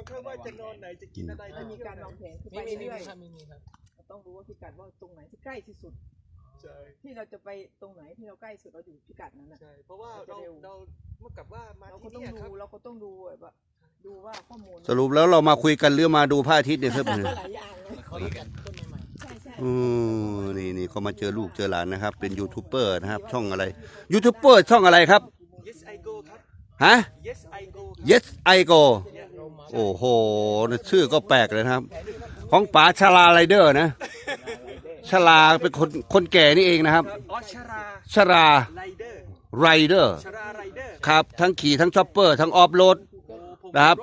างครั้งว่าจะนอนไหนจะกินอะไรจะมีการวางแผนไปเรื่อยๆมีครับเราต้องรู้ว่าพิกัดว่าตรงไหนที่ใกล้ที่สุดที่เราจะไปตรงไหนที่เราใกล้สุดเราอยู่พิกัดนั้นนะใช่เพราะว่าเราเมื่อกับว่ามาที่นี่ครับเราก็ต้องดูแบบว่าดูว่าข้อมูลสรุปแล้วเรามาคุยกันหรือมาดูพระอาทิตย์เนี่ยครับหลายอย่างเลยคุยกันต้นใหม่ใช่ใช่นี่เขามาเจอลูกเจอหลานนะครับ เป็นยูทูบเบอร์นะครับช่องอะไรยูทูบเบอร์ช่องอะไรครับ Yes I go ครับฮะ Yes I go Yes I go โอ้โหชื่อก็แปลกเลยนะครับของป๋าชลาไรเดอร์นะชลาเป็นคนแก่นี่เองนะครับชราไรเดอร์ครับทั้งขี่ทั้งช็อปเปอร์ทั้งออฟโรดนะครับ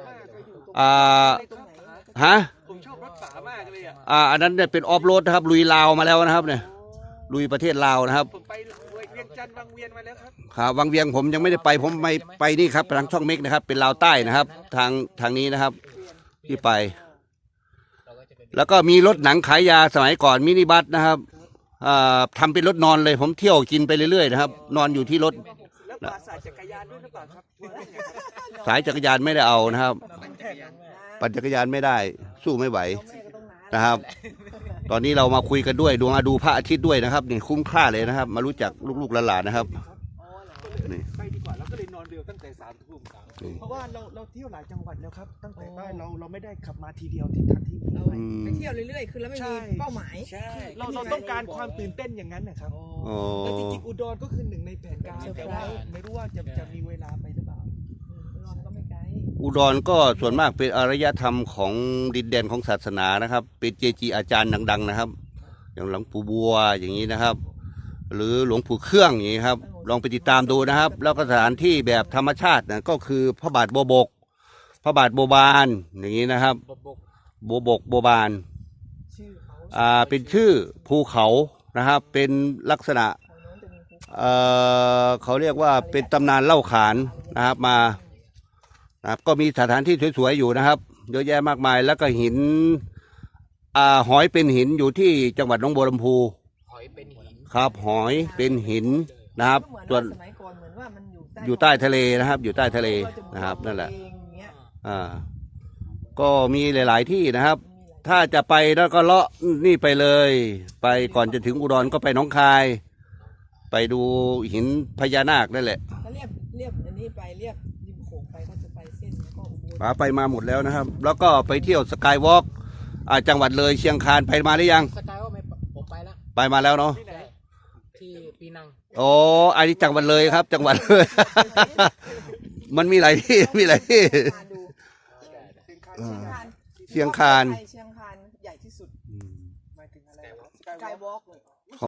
ฮะผมชอบรถป๋ามากเลยอันนั้นเนี่ยเป็นออฟโรดนะครับลุยลาวมาแล้วนะครับเนี่ยลุยประเทศลาวนะครับผมไปเวียงจันทร์วังเวียนมาแล้วครับครับวังเวียงผมยังไม่ได้ไปผมไม่ไปนี่ครับทางช่องเมกนะครับเป็นลาวใต้นะครับทางนี้นะครับที่ไปแล้วก็มีรถหนังขายยาสมัยก่อนมินิบัสนะครับทำเป็นรถนอนเลยผมเที่ยวกินไปเรื่อยๆนะครับนอนอยู่ที่รถแล้วป่าสายจักรยานด้วยหรือเปล่าครับสายจักรยานไม่ได้เอานะครับปั่นจักรยานไม่ได้สู้ไม่ไหวนะครับตอนนี้เรามาคุยกันด้วยดูพระอาทิตย์ด้วยนะครับนี่คุ้มค่าเลยนะครับมารู้จักลูกๆหลานๆนะครับนี่ไปดีกว่าเราก็เลยนอนเร็วตั้งแต่3 ทุ่มเพราะว่าเราเที่ยวหลายจังหวัดแล้วครับตั้งแต่ใต้เราไม่ได้ขับมาทีเดียวที่ทันที่ไปเที่ยวเรื่อยๆคือแล้วไม่มีเป้าหมายใช่เราต้องการความตื่นเต้นอย่างนั้นนะครับแล้วจริงๆอุดรก็คือหนึ่งในแผนการแต่ว่าไม่รู้ว่าจะมีเวลาไปหรือเปล่าอุดรก็ส่วนมากเป็นอารยธรรมของดินแดนของศาสนานะครับเป็นเจจีอาจารย์ดังๆนะครับอย่างหลวงปู่บัวอย่างนี้นะครับหรือหลวงปู่เครื่องอย่างนี้ครับลองไปติดตามดูนะครับแล้วก็สถานที่แบบธรรมชาตินะก็คือพระบาทโบบกพระบาทโบบานอย่างนี้นะครับโบบกโบบานเป็นชื่อภูเขานะครับเป็นลักษณะเขาเรียกว่าเป็นตำนานเล่าขานนะครับมานะครับก็มีสถานที่สวยๆอยู่นะครับเยอะแยะมากมายแล้วก็หินหอยเป็นหินอยู่ที่จังหวัดหนองบัวลำพูหอยเป็นหินครับหอยเป็นหินนะครับส่วนอยู่ใต้ทะเลนะครับอยู่ใต้ทะเลนะครับนั่นแหละก็มีหลายๆที่นะครับถ้าจะไปแล้วก็เลาะนี่ไปเลยไปก่อนจะถึงอุดรก็ไปหนองคายไปดูหินพญานาคนั่นแหละเรียบอันนี้ไปเรียบริมโขงไปก็จะไปเส้นแล้วก็อุบลไปมาหมดแล้วนะครับแล้วก็ไปเที่ยวสกายวอล์กจังหวัดเลยเชียงคานไปมาหรือยังสกายวอล์กผมไปแล้วไปมาแล้วเนาะที่ปีนังโอ้อันนี้จังหวัดเลยครับจังหวัดเลยมันมีหลายที่มีหลายที่เชียงคานใหญ่ที่สุดหมายถึงอะไรสกายวอล์กเลย